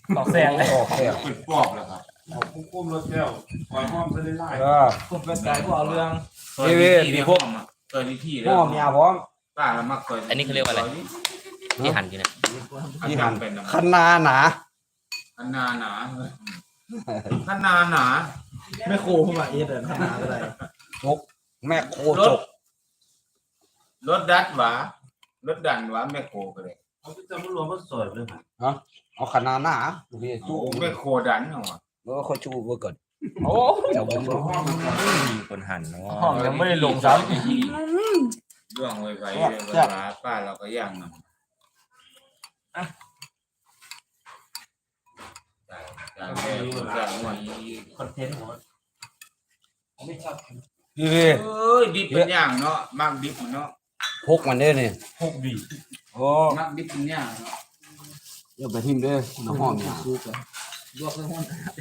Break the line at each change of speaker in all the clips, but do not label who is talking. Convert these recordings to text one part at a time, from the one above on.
ต่อแซงเลย
ออกแก้ว
เป็นปอบแล้วครับเอาคุ้มรถแก้วปล่อยห้อมไปไล่
ผมเป็นใจพวกเอาเรื่อง
เคยมีที่พวกเคยมีที่
หม้อเมียพร้อม
ป้าแล้วมักเคย
อันนี้เขาเรียกว่าอะไรที่หั่นอยู่เนี่ย
ที่หัน
เป็น
คันนาหนา
ขนาหนาขนาหนา
ไม่โคเข้ามาเอสเลยทำงานอะไร
จกแม่โคจก
รถดัดหวารถดันหวาแม่โคก็เลย
เขาจะมารวมก็สวยเลย
เอาคันนาหนาดูดิ
โอ้
จู้
แม่โคดันเหรอ
แล้วก็จู้ไว้ก่อน
โอ้
เดี๋ยวผมดู
มีคนหั่นเนาะ
ห้องยังไม่ได้ลงซ้
เรื่องไวๆเวลาป้าเราก็ย่างมันจากแม่จากหัว
ำคอนเทนต์ของ
ดิ
เอ้ยดิบเป็นย่างเนาะมักดิบเนาะ
พกมันเด้อนี่
พกดี
โอ้
มักดิบเป็นย่างเนาะ
เดี๋ยวไปทิมเด้อน้ำหอมเนี่ย
ลวกในห้อง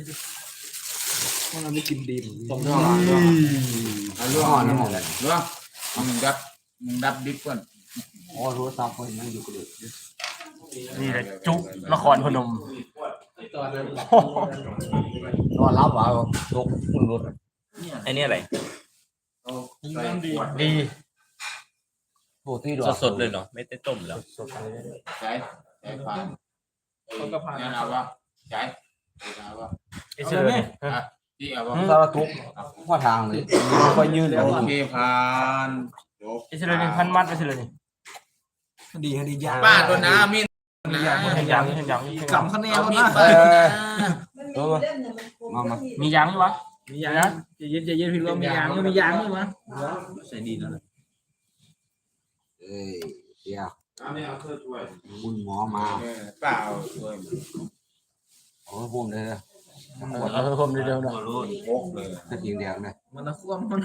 เราไม่กินดีต้ม
เรื่องเรื่อง
น้ำหอมเนี่ย
เรื่องมึงดับดิบก่อน
อ๋อโทรศัพท์คนนั่งอยู่ก็เลย
นี่แหละจุละครพนม
นอนรับว่าจกมึงรถ
ไอ้นี่อะไร
ดี
โทษที่ด้วย
สดๆเลยเนาะไม่ได้ต้มแล้ว
ใช้ผ่านเนี่ยเอาวะใช้เอาวะ
ไอ้เสือเนี่ย
ที่เอาวะ
สารทุกว่าทางเลยค่อยยืน
โอเคผ่านจบ
ไอ้เสือนี่พันมัดไอ้เสือนี่
ดีคดียาก
ป้าตัวน้ามี
เห็นยังเห็นยัง
กำคะแนนมีด
มียางไหมวะมียางนะจะเย็นพี่ว่ามียางมียางไหมวะใส่ดีแล้ว
เอ้ยเดี๋ยว
อันนี้เอาเธอช่วย
คุณหมอมา
เปล่าช่วย
โอ้ผมเลยนะ
เอาเพิ่มเร็วๆหน่อย
พกเลย
ถ้ากินเดียวนะ
มันน่าควบมัน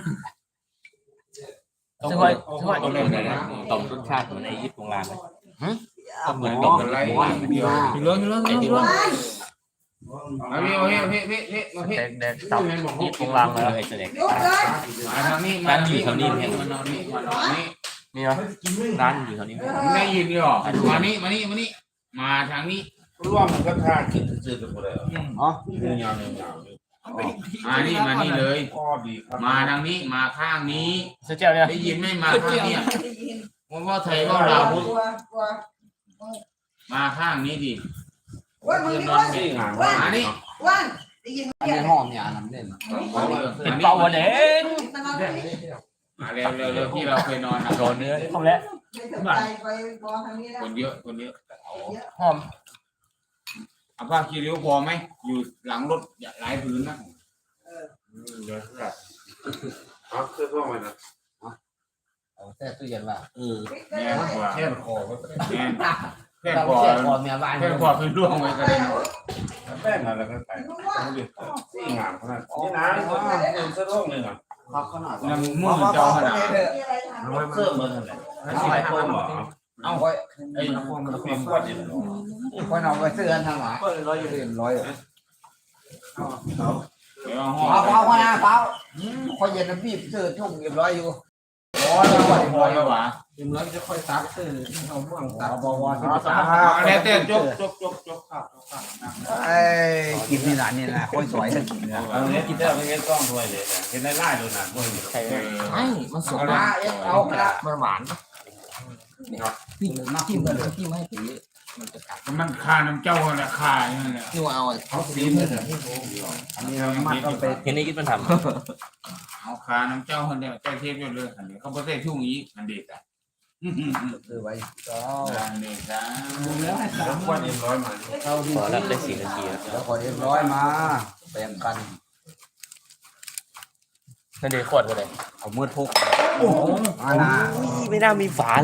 ต้อง
ช่วยช่วย
ต้องเป็นอะไรต้มรสชาติเหมือนไอ้ญี่ปุ่นร้านไหม
ก็เหมือน
ตกอะไรเดียว
พี่ล้วนพี่ล้วนพี่ล้วน
เอาเฮ้มาเฮ้
แดกตับยี่ปงลางเลย
ไอ้เสด็จ
มาทางนี้มาทางนี้มานอนนี่มานอนนี่
มีเหรอ
ร้านอยู่แถวนี้
ได้ยินหรอมานี่มาทางนี้
ร่วมก็ทากินจืดๆหมดเลย
อ๋อ
ยาว
มานี่เลย
ข้อดีครับ
มาทางนี้มาข้างนี้
เสือเจ้าเนี่ย
ได้ยินไม่มาข้างนี้ว่าไทยว่าเรามาข้างนี้ดิ
ว่ามึงนี่ว่า
นี่งาน
มานี่
ว่าได้ยิน
อัน
เสีย
นี้
ง
ห้องเนี่ยน้ำเล่น
เป็นเป่าวันเด็ก
มันนอนไม่ได้
มาเร็วที่เราเคยนอน
โดนเนื้อ
ทำแล้ว
ไปไปบอลทางนี้แล้ว
คนเยอะ
หอม
เอาผ้าคีริ้วพอไหมอยู่หลังรถหลายพื้นนะ
เดี๋ยวครับเอาเสื้อผ้ามานะ
เอาแต่ตู้เย็นว่า
แม่กว่า
แค่คอก็
แม่แค่
เรา
พอ
เสียคอเมียบ้าน
แค่พอคือร่วงไว้ก็ได้
แป้งอะไรก็ใส่ต้องดิสี่งานขนาดนี้นะเสื้อร่มเลยนะ
พักขนาด
น้ำมือเจ้าขนาด
มีอะไรทำ
เสื้อมือนั่นแหละใส่เพิ่มหรอ
เอา
ค่อย
ไอ้
มันเป็นขวดอยู่
ค่อยเอาไปซื้อกันทางหลังร้อยอยู่ร้อย
เดี๋ยวห้
เผา
อง
เผานะเผาค่อยเย็นน้ำบีบซื้อทุ่งเรียบร้อยอยู่
พอแล้วพอแล้ววะ
เรียบร้อยจะค่อยซักซื้อเอาห่วงซักบวร
แล้วแต่จกครับ
ไอ้กินนี่หลานนี่นะค่อยสวยถ้ากินนะ
เอาเนี้ยกินได้ไม่งั้นต้องถ้วยเลยเห็นได้ไล่ดูนะพวกนี้
ไม่มันสด
มาเอาละ
มันหวาน
พี่มาจิ้มกันเลยจิ้มให้ผี
มันคาน้ำเจ้าแหละคาอย่างนั้นแหละ
นี่ว่าเอา
เขาซีมเลยอันนี้มันต้องไป
เห็นนี่คิดมันท
เอาคาน้ำเจ้าคนเดียวเจ้าเทพยอดเลยอันนี้เขาไม่ได้ทุ่งอีกอันเด็ดอ่ะ
ซื้อไว้ก็
อันเด็ดอ่ะ
แล้วให้สาม
ขวดเอ็มร้อยมา
เข้าที่
ำพอแล้วได้4 นาทีแล้ว
แล้วขอเรียบร้อยมาแบ่งกัน
นั่นเด็กขวดกันเลย
เอามือพกโอ้โหมานา
ไม่น่ามีฝา